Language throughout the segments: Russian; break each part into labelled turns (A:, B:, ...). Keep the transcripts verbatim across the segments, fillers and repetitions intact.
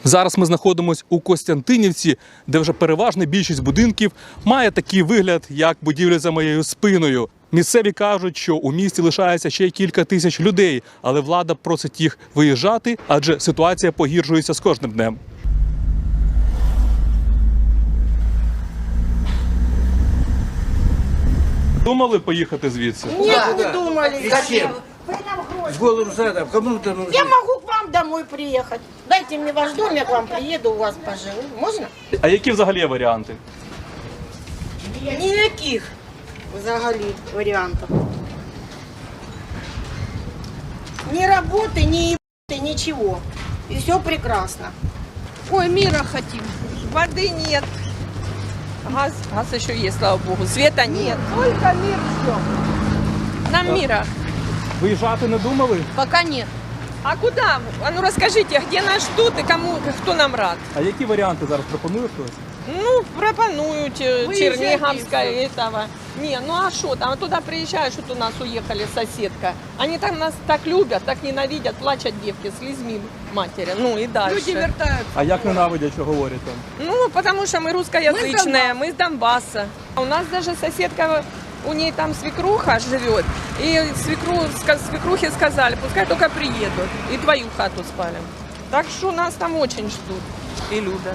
A: Зараз ми знаходимося у Костянтинівці, де вже переважна більшість будинків має такий вигляд, як будівля за моєю спиною. Місцеві кажуть, що у місті лишається ще кілька тисяч людей, але влада просить їх виїжджати, адже ситуація погіршується з кожним днем. Думали поїхати звідси?
B: Нет, не думали.
C: Зачем? С голым задом. Кому-то нужно.
B: Я могу к вам домой приехать. Дайте мне ваш дом, я к вам приеду, у вас поживу. Можно?
A: А які взагалі варіанти?
B: Никаких взагалі вариантов. Ни работы, ни ебаты, ничего. И все прекрасно.
D: Ой, мира хотим. Воды нет. Газ, газ еще есть, слава богу. Света нет. Только мир ждем. Нам мира
A: Виїжджати не думали?
D: пока нет. А куда? А ну расскажите, где нас ждут и кому, кто нам рад?
A: А які варіанти зараз пропонує хтось?
D: Ну, пропонуют э,
B: Выезжайте
D: Черниговская этого. Не, ну а что там? Туда приезжаешь, вот у нас уехали соседка. Они там нас так любят, так ненавидят, плачут девки, слезьми матери. Ну и дальше.
E: Люди вертаются.
A: А як ненавидять, що говорять там?
D: Ну, потому что мы русскоязычные, мы с Донбасса. У нас даже соседка, у ней там свекруха живет, и свекру, ска- свекрухе сказали, пускай только приедут, и твою хату спалим. Так что нас там очень ждут и любят.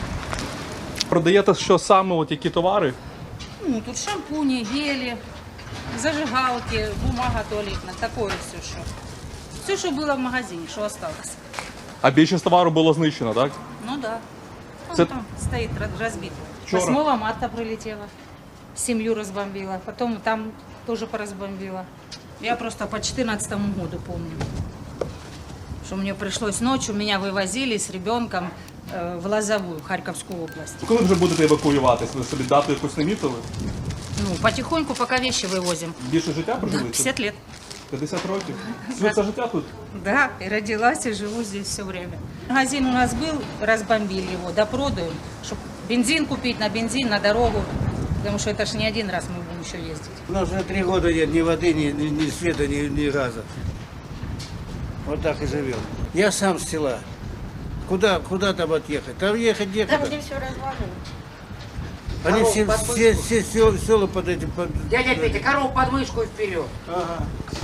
A: Продаєте що саме, от які товари?
E: Ну, тут шампуни, гели, зажигалки, бумага туалетная, такое все, что. Все, что было в магазине, что осталось.
A: А більшість товару було знищено, так?
E: Ну да. Вон
A: Це-
E: там стоит ра- разбито.
A: Вчера.
E: восьмого марта прилетела, семью разбомбила, потом там тоже поразбомбила. Я просто по четырнадцатому году помню, что мне пришлось ночью, меня вывозили с ребенком э, в Лозовую, Харьковскую область.
A: Коли вже будете евакуюватись? Ви собі дату якусь намітили?
E: Ну, потихоньку, пока вещи вывозим.
A: Більше життя прожили?
E: пятьдесят лет.
A: п'ятдесят років? Все це життя тут?
E: Да, и родилась, и живу здесь все время. Магазин у нас был, разбомбили его, допродаем, чтобы бензин купить, на бензин, на дорогу, потому что это ж не один раз мы будем еще ездить.
C: У нас уже три года нет ни воды, ни, ни, ни света, ни, ни газа. Вот так и живем. Я сам с села. Куда, куда там отъехать? Там ехать
B: Там,
C: некуда.
B: где все развалено.
C: Они все, все, все села, села под этим... Под...
F: Дядя Петя, корову под мышку и вперед.
C: Ага.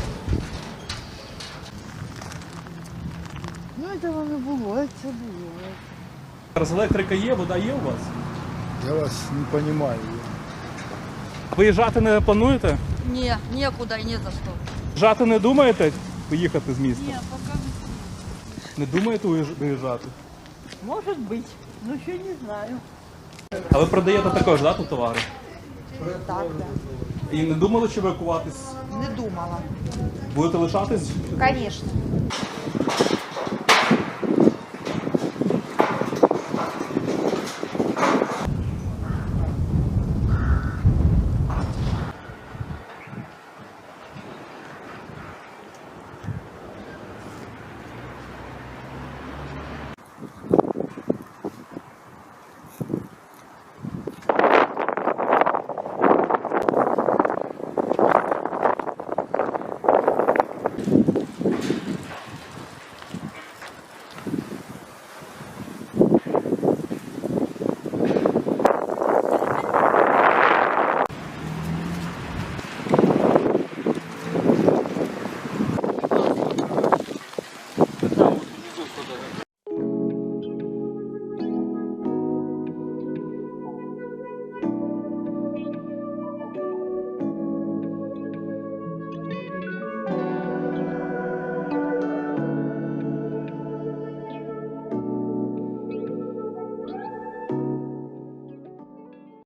G: Ну, этого не було, це було.
A: Зараз електрика є, вода є у вас?
H: Я вас не понимаю.
A: Виїжджати не плануєте?
G: Ні, нікуди і не за що.
A: Виїжджати не думаєте? Виїхати з міста?
G: Ні, поки
A: Не думаєте виїж- виїжджати?
G: може бути, ну ще не знаю.
A: А ви продаєте також, да, тут товари?
G: Так, так.
A: І не думали, чи евакуватись?
G: Не думала.
A: Будете лишатись?
G: Звісно.